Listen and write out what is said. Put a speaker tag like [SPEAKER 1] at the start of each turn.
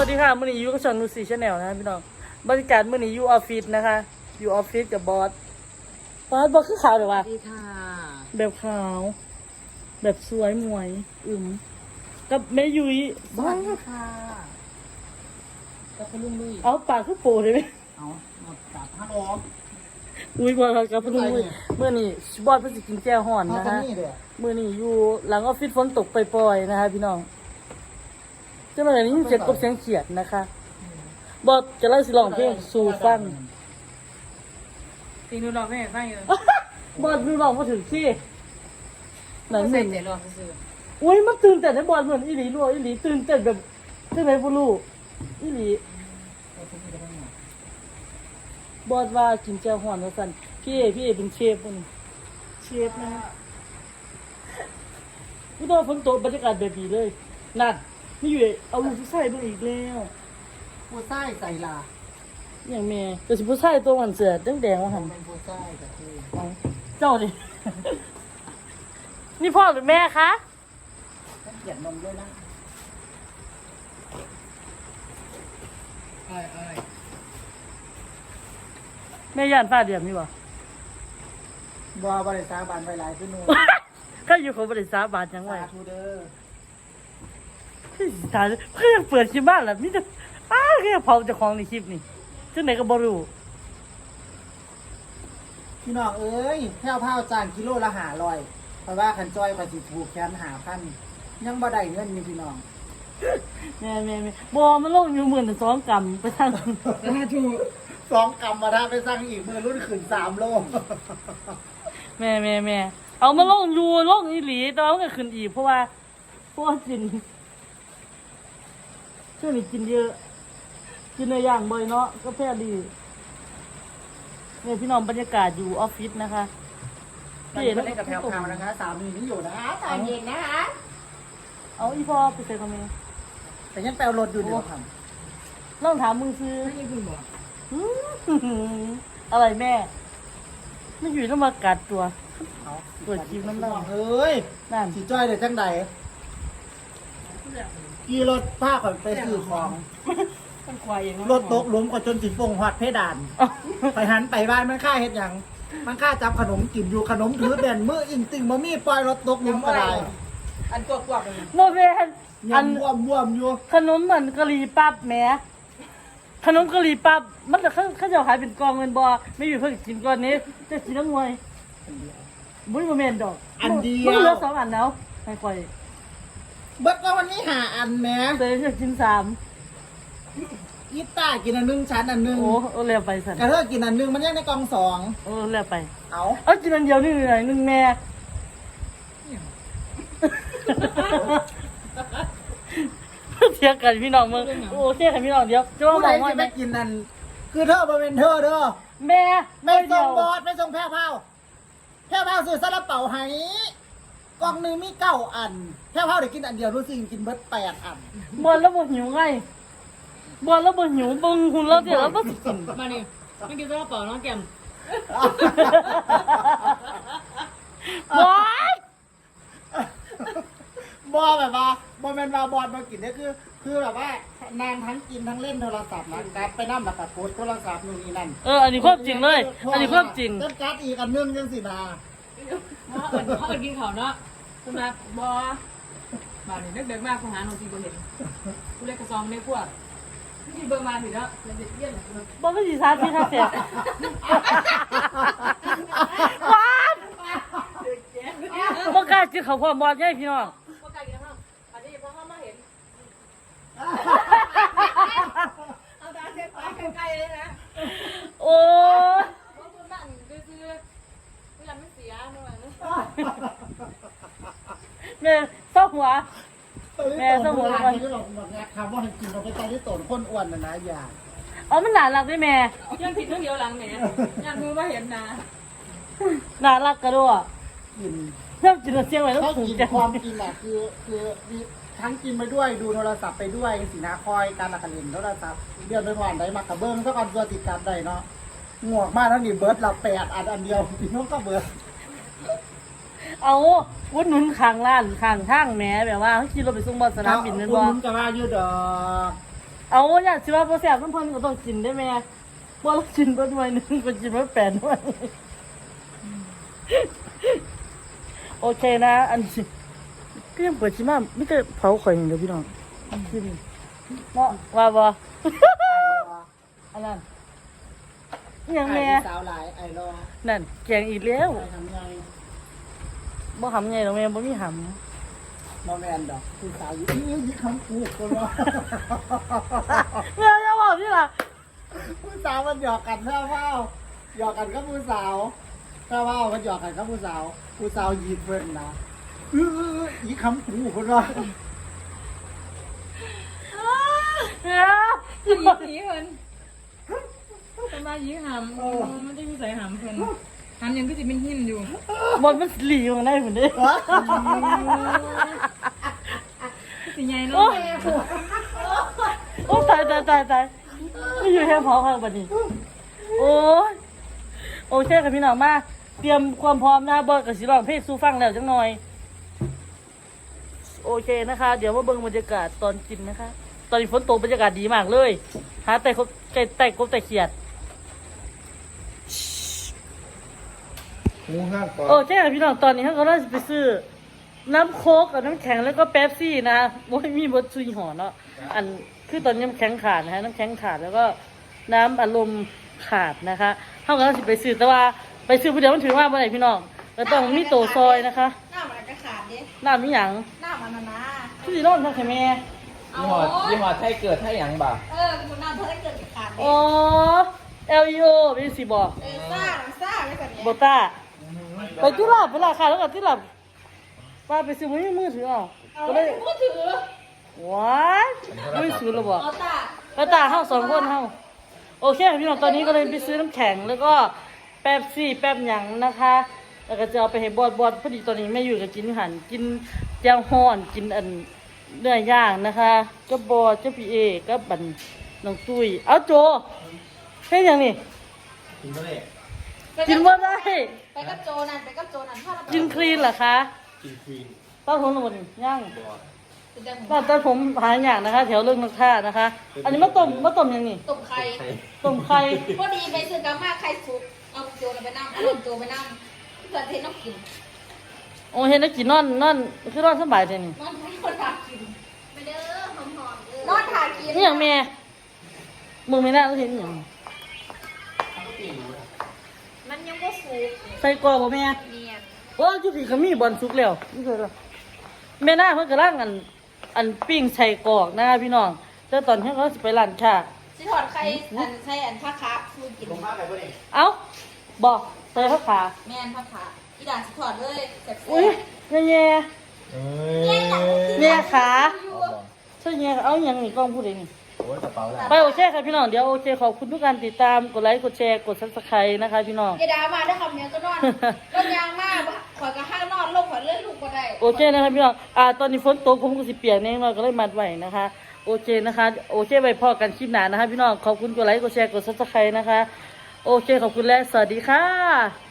[SPEAKER 1] วัสดีค่ะมื้อนี้อยู่กับช่องนูซี่ชาแนลนะคะพี่น้องบรรยากาศมื้อนี้อยู่ออฟฟิศนะคะอยู่ออฟฟิศกับบอสคือขาวเดี๋ยว
[SPEAKER 2] ส
[SPEAKER 1] วะ
[SPEAKER 2] วัสดีค่ะ
[SPEAKER 1] แบบขาว แบบสวยมวยกับแม่ยุ้ย
[SPEAKER 2] สวัสดีค่ะกับคุณลุงลุย
[SPEAKER 1] เอาปากคือโปได้ไหม
[SPEAKER 2] เอาหมดกับฮัลโหล
[SPEAKER 1] อุ้ยบอสกับพนุ่มมื้อนี้บอสเพิ่นสิกินแจ่วฮ้อนนะคะ
[SPEAKER 2] นี่เด้อ
[SPEAKER 1] มื้อนี้อยู่หลังออฟฟิศฝนตกปล่อยๆนะคะพี่น้องจังได๋นี้เสียงกบเสียงเขียดนะคะบอสจะเล่าสิร้องเพลงสู่ฟัง
[SPEAKER 2] ตีนูร้องไม่ให้ฟังอยู่
[SPEAKER 1] บอลดูลองมาถึงที่ไหน
[SPEAKER 2] ใส่
[SPEAKER 1] มึง
[SPEAKER 2] เจ็ดร้องซื้อ
[SPEAKER 1] อุ้ยมันตื่นเต้นให้บอลเหมือนอีหลีรัวอีหลีตื่นเต้นแบบจังไหนบ่รู้อีหลีบอลว่ากินแจ่วฮ้อนว่าซั่นพี่เอเป็นเชฟมันเชฟนะกูต้องฝนตกบรรยากาศแบบนี้เลยนั่นนี่อยู่เอาลูกผู้ชายมาอีกแล้ว
[SPEAKER 2] ผู้ใส่ใส่ลา
[SPEAKER 1] อย่างแม่แต่สิผู้ชายตัวมันเสือแดงๆว่าหั่น
[SPEAKER 2] เป็นผู้ใส่กับคือ
[SPEAKER 1] เอาเจ้าดิ นี่พ่อหรือแม่คะ
[SPEAKER 2] ต้องเขียนนมด้วยนะเอ้ย
[SPEAKER 1] แม่ย่านฟ้าเดียมนี่บ่
[SPEAKER 2] บัวบริษัทบานไปหลายขึ้นนู่น
[SPEAKER 1] ก็อยู่ของบริษัทบาทยังไง
[SPEAKER 2] สาธุเด้อ
[SPEAKER 1] ตายเพื่อนเปิดคลิปบ้านแล้วมิจะแค่เผาเจ้าของในคลิปนี่จังไหนก็บ่รู้
[SPEAKER 2] พี่น้องเอ้ยแพ้วเผาจานกิโลละ500เพราะว่าขันจอยก็สิถูกแขน5,000ยังบ่ได้เงินอยู่พี่น้อง
[SPEAKER 1] แม่บ่มันลงอยู่12,000กรัมไปทาง
[SPEAKER 2] สาธุ2 กรัมมาถ้าไปสั่งอีกมือรุ่นขึ้น3 โล
[SPEAKER 1] แม่เอามาลงอยู่ลงอีหลีแต่ว่ามันก็ขึ้นอีกเพราะว่ากินช่วงนี้กินเยอะ กินเนื้อย่างบ่อยเนาะก็แพ้ดีเนี่ยพี่น้องบรรยากาศอยู่ออฟฟิศนะคะ
[SPEAKER 2] ตอนนี้เล่นกับแพรวๆนะคะสามีนี่อยู่นะคะตอนเย็นนะคะ
[SPEAKER 1] เอาอีพ่อไปใส่คอมเมนต์
[SPEAKER 2] แต่ยังแปลรถอยู่เดี๋ยวท
[SPEAKER 1] ลองถามมึงซื้อ
[SPEAKER 2] ำไม่คุณบอก
[SPEAKER 1] อะไรแม่ ไม่อยู่ต้องมากัดตัว
[SPEAKER 2] เขา
[SPEAKER 1] เปิดคลิปน้ำลาย
[SPEAKER 2] เฮ้ย
[SPEAKER 1] นั่น
[SPEAKER 2] สีจ้อยเดี๋ยวจังใดกี่รถผ้าก่อนไปซื้อของ
[SPEAKER 1] มันควายเอง
[SPEAKER 2] รถตกหลุมก่อนจนสิฟงหอดเพดาน ไปหันไปบ้านมันค่าเฮ็ดหยังมันค่าจับขนมกินอยู่ขนมถือเด่นมืออิงติงบ่มีปล่อยรถตกหลุมก็ได้
[SPEAKER 3] อันตัวกวบเลย
[SPEAKER 1] โมเมนอัน
[SPEAKER 2] ยำบวมอยู่
[SPEAKER 1] ขนมเหมือนกะหรี่ปั๊บแหม่ขนมกะหรี่ปั๊บมันจะเขาจะขายเป็นกองเงินบอไม่อยู่เพิ่งกินก้อนนี้จะกินน้ำมวยบุ้ยโมเมนดอก
[SPEAKER 2] อันเดีย
[SPEAKER 1] มันเหลือ
[SPEAKER 2] ว
[SPEAKER 1] 2 อันแล้วให้ค่อย
[SPEAKER 2] เบิดก็วันนี้5 อันแหม่
[SPEAKER 1] เตยจะกิน3
[SPEAKER 2] กีตาร์กินอันหนึงชั้นอันหนึง
[SPEAKER 1] โอ้เร็วไปสัน
[SPEAKER 2] กระเทอกินอันหนึงมันยังในกล่องสอง
[SPEAKER 1] เร็วไป
[SPEAKER 2] เอา
[SPEAKER 1] เอากินอันเดียวนี่หน่อยนึงแม่เทียงกันพี่น้องมึงโอ้เทียงกันพี่น้องเดียวจะว่า
[SPEAKER 2] ผู้
[SPEAKER 1] ม
[SPEAKER 2] ใด
[SPEAKER 1] องว่า
[SPEAKER 2] จะไปกินนั่นคือเธอมาเป็นเธอเด้อ
[SPEAKER 1] แม่
[SPEAKER 2] ไม่ส่งบอ
[SPEAKER 1] ด
[SPEAKER 2] สไม่ส่งแพร่เผาแพร่เผาซื้อซาลาเปาให้กล่องหนึงมี9 อันแพร่เผาได้กินอันเดียวรู้สึกกินเบิด8 อัน
[SPEAKER 1] บอลแล้วบอหิวไงบอลแล้วบอหิวบึงหุ่นแล้วเดี๋ยวแล้วก็สิกิน
[SPEAKER 3] มานี่ไม่กินซาลาเปาน้องแก้ม
[SPEAKER 1] บอส
[SPEAKER 2] บอแบบว่าบอแมนว่าบอสมากินเนี่ยคือแบบว่านางทั้งกินทั้งเล่นโทรศัพท์นะการไปนั่งแบบโพสโทรศัพท์นู่นนี่นั่น
[SPEAKER 1] อันนี้ความจริงเลย อันนี้ความจริง
[SPEAKER 2] เล่นการ์ดอีกอันนึงยังสินา
[SPEAKER 3] เขากินเขาเนาะสำหรับบอบาดนี่เด็กๆมากคุณหาหนูจีบเห็นกูเล็กกระซองในพวกที่เบอร์มาถึงแล้วแล้วเด็กเยี่ยน
[SPEAKER 1] บอลไม่สีชาที่ท่าเสียบอสบอกล้ากินเขาวพร้อมบอลใช่พี่น้อง
[SPEAKER 3] พวกไก่กินข้าวอันนี้พอเข้ามาเห็นเอาตาเช็ดปากไกลๆเลยนะ
[SPEAKER 1] โอ้ย
[SPEAKER 3] เพราะคุณนั่งซื้อเวลาไม่เสียหน่อยนะ
[SPEAKER 1] แม่เศร้าหัว แม่สมุนไพร
[SPEAKER 2] ที่หลอกแบบนี้คำว่าให้กินเราไปตอนที่โตนคนอ้วนนะอย่า
[SPEAKER 1] อ๋อมันน่ารักด้วยแม่
[SPEAKER 3] ยังผิดเรื่องเดียวหลังแหมยังมือมาเห็นนะ
[SPEAKER 1] น่ารักกระโดด
[SPEAKER 2] กิน
[SPEAKER 1] เริ่มจินตนาการไว้แล้ว
[SPEAKER 2] เขา
[SPEAKER 1] ถูก
[SPEAKER 2] กิน
[SPEAKER 1] ใจ
[SPEAKER 2] ความกินแหละคือทั้งกินไปด้วยดูโทรศัพท์ไปด้วยสีนาคอยการละกันเล่นโทรศัพท์เดือนไปผ่านได้มากระเบื้องเท่ากันตัวติดกันได้เนาะงวกมากทั้งนี้เบิร์ดเรา8 อันเดียวพี่น้องก็เบิร์ด
[SPEAKER 1] เอาวุ้นหนุนข้างร้านข้างทางแหม่แบบว่าเขาขี่รถไปส่งบอลสนามบินนั่น
[SPEAKER 2] คุ
[SPEAKER 1] บ่
[SPEAKER 2] ณจะว่าอยู่ดอก
[SPEAKER 1] เอาเนี่ยสิว่าบ่แซ่บน้ำเพิ่นก็ต้องกินได้แม่บ่เรากินเบิดหน่วยหนึงก็กินเบิด8หน่วยโอเคนะ อันนี้ก็ยังเปิดชิมาไม่ได้เผาข่อยอย่างเดียวพี่น้องชิมเนาะว่าบ่อันนั้นอิหยังแม่
[SPEAKER 2] สาวหลายไอ้รอ
[SPEAKER 1] นั่นแกงอีกแล้ว
[SPEAKER 2] ไอ้ทำไง
[SPEAKER 1] บ่หำไงหรอกแม่บ่มีห
[SPEAKER 2] บอแมนดอกผู้สาวอยู่ยี่คำพูดคนว่า
[SPEAKER 1] ำแม่อย่าบอกพี่ล่ะ
[SPEAKER 2] ผู้สาวมันหยอกกันแค่ว่าหยอกกันก็ผู้สาวแค่ว่ามันหยอกกันก็ผู้สาวยีดเพิ่นนะยี่คำพูดคนว่า
[SPEAKER 1] แม่
[SPEAKER 3] ผีเพิ่นจะมายีหำมันจะมีใส่หำเพิ่นหำยังก็จะเป็นหินอยู่
[SPEAKER 1] บนมันหลีอยู่ข้างในเหมือนเดิม
[SPEAKER 3] สิใหญ่
[SPEAKER 1] โอ้
[SPEAKER 3] เนาะ
[SPEAKER 1] โอ้ตายไม่อยู่แค่เผาข้างบัดนี้โอ้ยโอเคค่ะพี่น้องมาเตรียมความพร้อมนะบอสกับสิร้องเพลงสู้ฟังแล้วจังหน่อยโอเคนะคะ เดี๋ยวมาเบิ่งบรรยากาศตอนกินนะคะ ตอนนี้ฝนตกบรรยากาศดีมากเลยหาแต่กบแต่เขียด
[SPEAKER 4] งูห้างก่อน
[SPEAKER 1] โอเคค่ะพี่น้องตอนนี้เขาก็เริ่มไปซื้อน้ำโค้กกับน้ำแข็งแล้วก็เป๊ปซี่นะว่ามีบดซุยห่อเนาะอันคือตอนนี้น้ำแข็งขาดนะฮะน้ำแข็งขาดแล้วก็น้ำอารมณ์ขาดนะคะเขาก็เริ่มไปซื้อแต่ว่าไปซื้อผู้เดียวมันถือว่าเมื่อไหร่พี่น้องก็ต้องมีโตซอยนะคะ
[SPEAKER 5] หน้ามันอาจจะขาดดิ
[SPEAKER 1] น้ำมีหยัง
[SPEAKER 5] หน้ามันนะนะ
[SPEAKER 1] ที่สีร้อนทั้งแค่แม่
[SPEAKER 4] ยี่ห้อไทยเกิดไทยหยังบ่า
[SPEAKER 5] คุณหน้าเธอได้เกิดขาดดิ
[SPEAKER 1] อ๋อ LEO เป็นสีบอก
[SPEAKER 5] ซ่าไม่แบบนี้
[SPEAKER 1] โบต้าไปที่หลับไปละค่ะแล้วก็ที่หลับป้าไปซื้อมือถือเอาก็เลย
[SPEAKER 5] พูดถือ
[SPEAKER 1] ว้ายมือถือเราบอก
[SPEAKER 5] เอาตา
[SPEAKER 1] ก็ตาเฮาสองคนเฮาโอเคพี่น้องตอนนี้ก็เลยไปซื้อน้ำแข็งแล้วก็แป๊บซี่แป๊บหยังนะคะแล้วก็จะเอาไปให้บอดพอดีตอนนี้แม่อยู่กับกินหันกินแจ่วฮ้อนกินอันเนื้อย่างนะคะก็บอดเจ้าพี่เอก็บันน้องตุ้ยเอาโจเฮ็ดหยังนี่
[SPEAKER 4] กินไม่ได้
[SPEAKER 1] กินบ่ได้
[SPEAKER 5] ไปกับโจนั่นไปกับโจนั่นถ้าเรา
[SPEAKER 1] กินคลีนเหรอคะ
[SPEAKER 4] กินควีน
[SPEAKER 1] ป้าผมหมดย่าง
[SPEAKER 4] บ่
[SPEAKER 1] ป้าตอนผมหาอย่างนะคะ แถวเรื่องนักท่านะคะ อันนี้มะต้มยังนี่
[SPEAKER 5] ตุ่มไข่
[SPEAKER 1] ต้มไข่
[SPEAKER 5] พอดีไปซื้อกามาไข่สุกเอาโจไปนั่งเอาโจไปนั่งเพื่อนเทน้องกิน
[SPEAKER 1] โอ้เห็นแล้วกินนอนคือนอนสบายเลยนี่
[SPEAKER 5] นอนให้คนทากินไปเด้อหอมๆนอนทากิน
[SPEAKER 1] นี่อย่างแม่มึงไม่น่าต้องเห็นอย่าง
[SPEAKER 5] มันยังไม่สุก
[SPEAKER 1] ใส่กรอบบ่แม่
[SPEAKER 5] เนียน
[SPEAKER 1] โอ้จุดที่เขามีบอลสุกแล้วนี่เคยหรอแม่น่าเพิ่งกระล่างอันปิ้งใส่กรอกนะคะพี่น้องแต่ตอนที่เขาสิไปร้านค่ะ
[SPEAKER 5] สิถอดไข่ใส่อันผ้าขาฟูกิน
[SPEAKER 4] ลงมาไปบ่ได้
[SPEAKER 1] เอ้าบอกใส่ข้าวขา
[SPEAKER 5] แม่นผ้าขาอีด่านสิถอดเลยแซ่บ
[SPEAKER 1] อุ้ยแย่
[SPEAKER 4] เอ้
[SPEAKER 1] แย่ขา
[SPEAKER 4] เอาบ่
[SPEAKER 1] ใช่แย่เอาอย่างนี้กล้องพูดเองนี่
[SPEAKER 4] โอ้ยกระเป๋าละ
[SPEAKER 1] ไปโอเคค่ะพี่น้องเดี๋ยวโอเคขอบคุณทุกการติดตามกดไลค์กดแชร์กดซับสไครต์นะคะพี่น้อง
[SPEAKER 5] ไอ้ดามาได้คำเนี้ยก็นอนรถยางมากขอยก็ห้างนอนลงขอยเลื่อนลูกก็ได้
[SPEAKER 1] โอเคนะครับพี่น้องตอนนี้ฝนตกผมก็สิเปียกแน่นอนก็เลยมัดไว้นะคะ โอเคนะคะ โอเคไว้พอกันคลิปหน้านะคะพี่น้อง ขอบคุณกดไลค์กดแชร์กดซับสไครต์นะคะ โอเคขอบคุณและสวัสดีค่ะ